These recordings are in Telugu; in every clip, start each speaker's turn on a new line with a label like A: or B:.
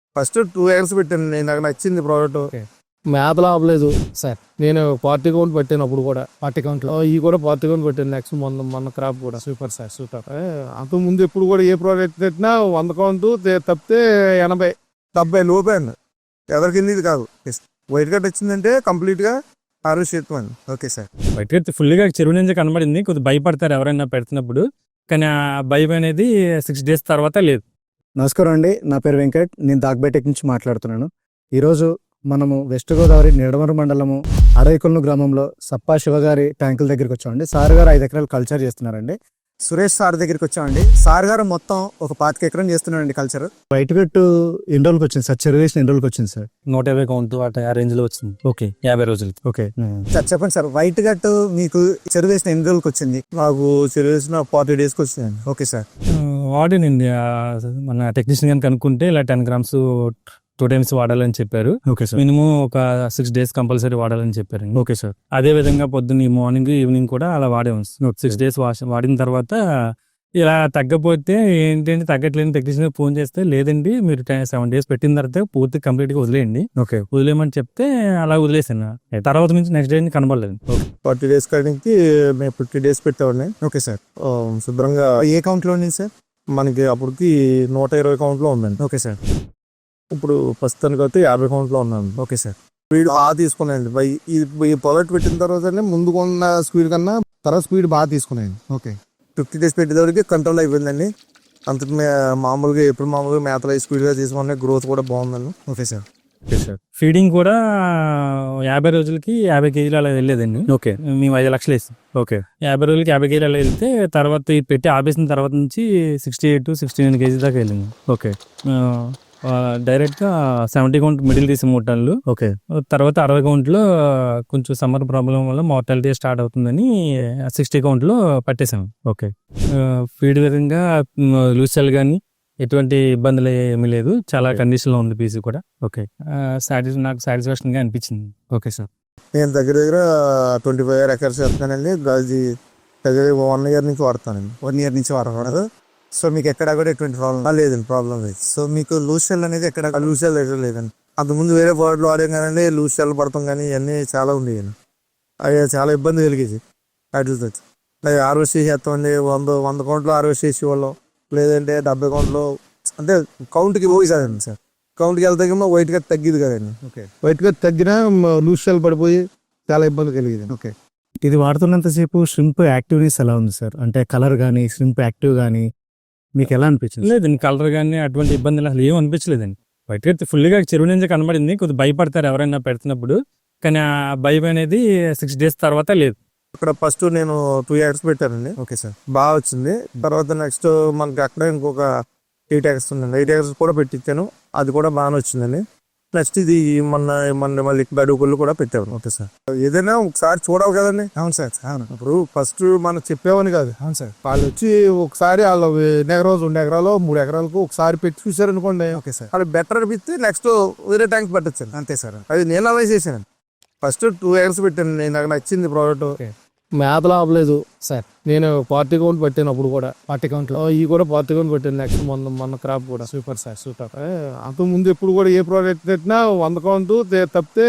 A: ఫస్ట్ 2 ఇయర్స్ పెట్టాను నేను, నాకు నచ్చింది ప్రోడక్ట్.
B: మేతలు ఆపలేదు సార్. నేను పార్టీ కౌంట్ పెట్టాను అప్పుడు కూడా, పార్టీ కౌంట్ లో ఈ కూడా పార్టీ కౌంట్ పెట్టాను. నెక్స్ట్ మొన్న క్రాప్ కూడా సూపర్ సార్, సూపర్. అంతకు ముందు ఎప్పుడు కూడా ఏ ప్రోడక్ట్ పెట్టినా 100 కౌంట్ తప్పితే 80
A: లోపే అండి. ఎవరి కింద ఇది కాదు. వైట్ కట్ వచ్చిందంటే కంప్లీట్ గా ఆరోగ్యం. Okay sir.
C: White cut full గా చెరువు నుంచి కనబడింది. కొద్దిగా భయపడతారు ఎవరైనా పెడుతున్నప్పుడు, కానీ ఆ భయం అనేది 6 days తర్వాత లేదు.
D: నమస్కారం అండి, నా పేరు వెంకట్. నేను దాగ్బేటెక్ నుంచి మాట్లాడుతున్నాను. ఈరోజు మనము వెస్ట్ గోదావరి నిడమరు మండలము అడవికొల్లు గ్రామంలో సప్పా శివగారి ట్యాంకుల దగ్గరికి వచ్చామండి. సార్ గారు 5 ఎకరాలు కల్చర్ చేస్తున్నారండి. సురేష్ సార్ దగ్గరికి వచ్చామండి. సార్ గారు మొత్తం ఒక 25 ఎకరం చేస్తున్నారండి కల్చర్. వైట్ కట్ ఎన్ని రోజులకి వచ్చింది సార్? చెరువు వేసిన ఎన్ని రోజులకి వచ్చింది సార్?
C: 150 కౌంట్ ఆ రేంజ్ లో వచ్చింది. ఓకే, 50 రోజులు.
D: ఓకే
A: సార్ చెప్పండి సార్, వైట్ కట్ మీకు చెరువు వేసిన ఎన్ని రోజులకి వచ్చింది? నాకు చెరువు వేసిన 40 days వచ్చింది. Okay sir.
C: వాడినండి మన టెక్నీషియన్ గాని కనుక్కుంటే ఇలా 10 grams 2 times వాడాలని చెప్పారు.
D: Okay sir.
C: మినిమం ఒక 6 days కంపల్సరీ వాడాలని చెప్పారు.
D: Okay sir.
C: అదే విధంగా పొద్దున్న మార్నింగ్ ఈవినింగ్ కూడా అలా వాడాము. 6 days వాడిన తర్వాత ఇలా తగ్గపోతే ఏంటంటే తగ్గట్లేని టెక్నీషియన్ ఫోన్ చేస్తే, లేదండి మీరు 7 days పెట్టిన తర్వాత పూర్తి కంప్లీట్ గా వదిలేయండి,
D: ఓకే
C: వదిలేయమని చెప్తే అలా వదిలేసాను. తర్వాత నుంచి నెక్స్ట్ డే కనబడలేదు.
A: 40 days కాడికి మేము 50 days పెట్టేవాడిని. Okay sir. శుభ్రంగా ఏ కౌంట్ లో ఉంది సార్? మనకి అప్పటికి 120 కౌంట్ లో ఉందండి. Okay sir. ఇప్పుడు ప్రస్తుతానికి అయితే 50 కౌంట్ లో ఉన్నాను. Okay sir. స్పీడ్ బాగా తీసుకున్నాయండి. ఈ ప్రోడక్ట్ పెట్టిన తర్వాత ముందుకున్న స్పీడ్ కన్నా తర్వాత స్పీడ్ బాగా తీసుకున్నాయండి. ఓకే. 50 days పెట్టేటప్పటికి కంట్రోల్ అయిపోయిందండి. అంత మామూలుగా ఎప్పుడు మామూలుగా మేతలు స్పీడ్ గా తీసుకున్నాయి. గ్రోత్ కూడా బాగుందండి. Okay sir.
D: Okay sir.
C: Feeding కూడా 50 రోజులకి 50 kg అలా వెళ్ళేదండి.
D: ఓకే.
C: మేము 5 లక్షలు వేసాం.
D: ఓకే.
C: 50 రోజులకి 50 kg అలా వెళ్తే తర్వాత ఇది పెట్టి ఆపేసిన తర్వాత నుంచి 68 to 69 kg దాకా వెళ్ళింది.
D: ఓకే.
C: డైరెక్ట్ గా 70 కౌంట్ మిడిల్ తీసి 3 టన్నులు.
D: ఓకే.
C: తర్వాత 60 కౌంట్లో కొంచెం సమ్మర్ ప్రాబ్లం వల్ల మార్టాలిటీ స్టార్ట్ అవుతుందని 60 కౌంట్లో పట్టేసాం.
D: ఓకే.
C: ఫీడ్ విధంగా లూజ్ సెల్ కానీ ఎటువంటి ఇబ్బందులు ఏమీ లేదు. చాలా కండిషన్ లో ఉంది పీస్ కూడా.
D: ఓకే.
C: నాకు సాటిస్ఫాక్షన్ గా అనిపించింది.
D: Okay sir.
A: నేను దగ్గర 25 acres చేస్తున్నానండి. అది దగ్గర 1 year నుంచి వాడతానండి. 1 year నుంచి వాడకూడదు. సో మీకు ఎక్కడ కూడా ఎటువంటి ప్రాబ్లం లేదండి. ప్రాబ్లం లేదు. సో మీకు లూజ్ సెల్ అనేది ఎక్కడ లూజ్ సెల్ లేదండి. అంతకుముందు వేరే ప్రోడక్ట్లు వాడాం కానీ లూజ్ సెల్ పడతాం కానీ ఇవన్నీ చాలా ఉండేవి. అవి చాలా ఇబ్బంది కలిగేది. వాటితో హార్వెస్ట్ చేస్తామండి. 100 కౌంట్లో హార్వెస్ట్ చేసేవాళ్ళం, లేదంటే 70 కౌంట్లో. అంటే కౌంట్కి పోయి కదండి సార్. కౌంట్కి వెళ్తాకేమో వైట్ గా తగ్గిది కదండి.
D: ఓకే.
A: వైట్ గా తగ్గినా లూజ్ సెల్ పడిపోయి చాలా ఇబ్బంది కలిగేది.
D: ఓకే. ఇది వాడుతున్నంతసేపు ష్రింప్ యాక్టివ్నెస్ ఎలా ఉంది సార్? అంటే కలర్ కానీ ష్రింప్ యాక్టివ్ కానీ మీకు ఎలా అనిపించింది?
C: లేదండి, కలర్ కానీ అటువంటి ఇబ్బందులు అసలు ఏం అనిపించలేదండి. వైట్ కట్ ఫుల్ గా చెరువు నుంచి కనబడింది. కొద్దిగా భయపడతారు ఎవరైనా పెడుతున్నప్పుడు, కానీ ఆ భయం అనేది 6 days తర్వాత లేదు.
A: ఇక్కడ ఫస్ట్ నేను 2 years పెట్టానండి.
D: Okay sir.
A: బాగా వచ్చింది. తర్వాత నెక్స్ట్ మనకి అక్కడ ఇంకొక 8 acres ఉందండి. 8 acres కూడా పెట్టించాను. అది కూడా బాగానే వచ్చిందండి. నెక్స్ట్ ఇది మొన్న మళ్ళీ బడుగుళ్ళు కూడా పెట్టాను. Okay sir. ఏదైనా ఒకసారి చూడాలి కదండి.
D: అవును సార్. అవును.
A: ఇప్పుడు ఫస్ట్ మనం చెప్పేవని కాదు.
D: అవును సార్.
A: వాళ్ళు వచ్చి ఒకసారి వాళ్ళు 1 ఎకరం 2 ఎకరాలు 3 ఎకరాలకు ఒకసారి పెట్టి చూసారు అనుకోండి.
D: Okay sir.
A: అది బెటర్ అనిపిస్తే నెక్స్ట్ వేరే ట్యాంక్స్ పెట్టచ్చు.
D: అంతే సార్.
A: అది నేను అలా చేశాను. ఫస్ట్ 2 years పెట్టాను నేను, నాకు నచ్చింది ప్రోడక్ట్.
B: మేతలు ఆపలేదు సార్. నేను పార్టీ కౌంట్ పెట్టాను అప్పుడు కూడా, పార్టీ కౌంట్ లో ఈ కూడా పార్టీ కౌంట్ పెట్టాను. నెక్స్ట్ మొన్న క్రాప్ కూడా సూపర్ సార్, సూపర్. అంతకు ముందు ఎప్పుడు కూడా ఏ ప్రోడక్ట్ పెట్టినా 100 కౌంట్ తప్పితే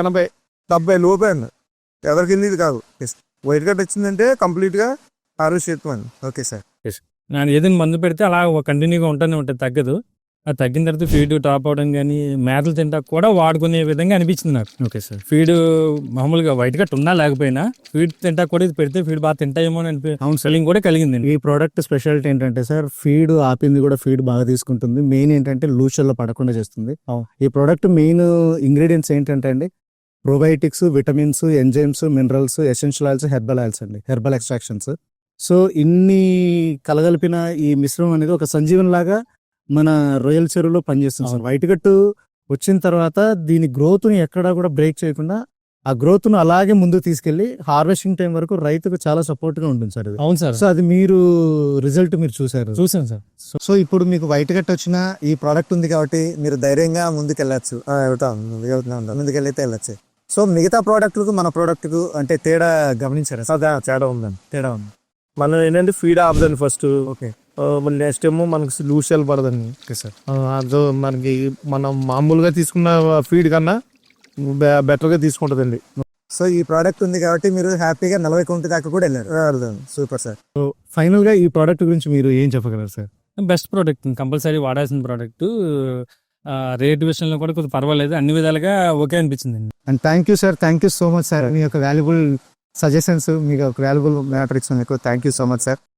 A: 70 లోపే అండి. ఎవరి కింద ఇది కాదు. వైట్ కట్ వచ్చిందంటే కంప్లీట్ గా ఆరోగ్యం. Okay sir.
C: నేను ఏదైనా మందు పెడితే అలా కంటిన్యూగా ఉంటూనే ఉంటుంది, తగ్గదు. అది తగ్గిన తర్వాత ఫీడ్ టాప్ అవడం కానీ మేతలు తింటా కూడా వాడుకునే విధంగా అనిపించింది నాకు.
D: Okay sir.
C: ఫీడ్ మామూలుగా వైట్ కట్ ఉన్నా లేకపోయినా ఫీడ్ తింటా కూడా ఇది పెడితే ఫీడ్ బాగా తింటాయేమో అని ఫీలింగ్ కూడా కలిగింది.
D: ఈ ప్రోడక్ట్ స్పెషాలిటీ ఏంటంటే సార్, ఫీడ్ ఆపింది కూడా ఫీడ్ బాగా తీసుకుంటుంది. మెయిన్ ఏంటంటే లూషల్లో పడకుండా చేస్తుంది. ఈ ప్రోడక్ట్ మెయిన్ ఇంగ్రీడియంట్స్ ఏంటంటే అండి, probiotics, vitamins, enzymes, minerals, essential oils, herbal oils అండి, హెర్బల్ ఎక్స్ట్రాక్షన్స్. సో ఇన్ని కలగలిపిన ఈ మిశ్రమం అనేది ఒక సంజీవన్ లాగా మన రొయ్యల చెరువులో పనిచేస్తుంది సార్. వైట్ కట్టు వచ్చిన తర్వాత దీని గ్రోత్ ని ఎక్కడా కూడా బ్రేక్ చేయకుండా ఆ గ్రోత్ ను అలాగే ముందుకు తీసుకెళ్లి హార్వెస్టింగ్ టైం వరకు రైతుకు చాలా సపోర్ట్ గా ఉంటుంది సార్.
C: అవును సార్.
D: సో అది మీరు రిజల్ట్ మీరు చూసారు.
C: చూసాను సార్.
D: సో ఇప్పుడు మీకు వైట్ కట్ వచ్చిన ఈ ప్రోడక్ట్ ఉంది కాబట్టి మీరు ధైర్యంగా ముందుకెళ్ళచ్చు. ముందుకెళ్ళైతే వెళ్ళచ్చు. సో మిగతా ప్రోడక్ట్లకు మన ప్రోడక్ట్కు అంటే తేడా గమనించారా?
A: తేడా ఉందండి.
D: తేడా ఉంది.
A: మనం ఏంటంటే ఫీడ్ ఆపుదండి ఫస్ట్.
D: ఓకే.
B: నెక్స్ట్ ఏమో మనకి లూషియల్ పడదండి.
D: Okay sir.
B: అదో మనకి మనం మామూలుగా తీసుకున్న ఫీడ్ కన్నా బెటర్గా తీసుకుంటుందండి.
A: సో ఈ ప్రోడక్ట్ ఉంది కాబట్టి మీరు హ్యాపీగా 40 కౌంట్ దాకా కూడా వెళ్ళారు. Super sir.
D: ఫైనల్ గా ఈ ప్రోడక్ట్ గురించి మీరు ఏం చెప్పగలరు సార్?
C: బెస్ట్ ప్రోడక్ట్, కంపల్సరీ వాడాల్సిన ప్రోడక్ట్. రేట్ విషయంలో కూడా కొంచెం పర్వాలేదు, అన్ని విధాలుగా ఓకే అనిపించింది.
D: And thank you sir, thank you so much sir. మీ యొక్క వాల్యుబుల్ సజెషన్స్, మీకు valuable matrix thank you so much sir.